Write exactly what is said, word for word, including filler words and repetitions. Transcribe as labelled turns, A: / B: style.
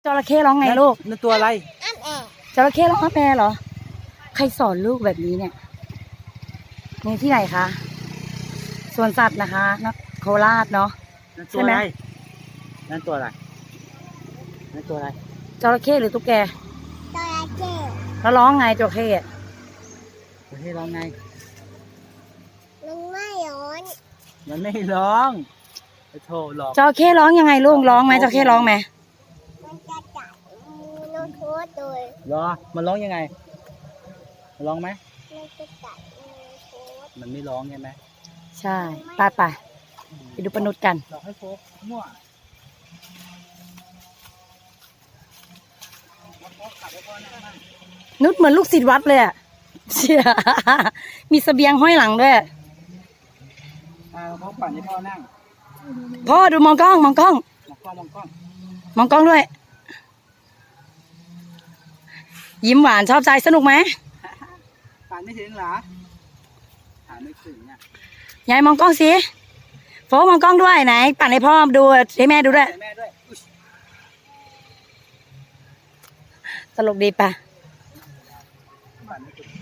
A: จระเข้ร้องไงลูก
B: นั่นตัวอะไร
A: จระเข้ร้องอ้าแปรเหรอใครสอนลูกแบบนี้เนี่ยนี่ที่ไหนคะสวนสัตว์นะคะนโคราชเนาะ
B: ใช่ไหมนั่นตัวอะไรนั่นตัวอะไร
A: จระเข้หรือตุ๊กแก
C: จระเข้
A: แล้วร้องไงจระเข้
B: จระเข้ร้องไง
C: มันไม่ร้อน
B: มันไม่ร้องโธ่หรอก
A: จระเข้ร้องยังไงลูกร้องไหมจระเข้ร้องไหม
C: มันจะจับมือโทษเลย
B: รอมันร้องยังไงมันร้องไหม
C: มันจะจับมือโทษ
B: มันไม่ร้องใช่ไหม
A: ใช่ไปไปไปดูปนุษกัน
B: เราให้โฟกมั่ว
A: นุชเหมือนลูกศิษย์วัดเลยอะเชี่ยมีเสบียงห้อยหลังด้วย
B: อ่าเขาปั่นให้พ่อนั่ง
A: พ่อดูมองกล้องมองกล้อง
B: มองกล้องมองกล้อง
A: มองกล้องด้วยยิ้มหวานชอบใจสนุกไหม
B: ปั่นไม่ถึงเหรอปั่นไม่ถึงอ่ะ
A: ยายมองกล้องสิโฟมองกล้องด้วยไหนปั่นให้พ่อดูให้แม่ดูด้วย
B: แม่ด้วย
A: ตลกดีปะ
B: ปั่นไม่ถึง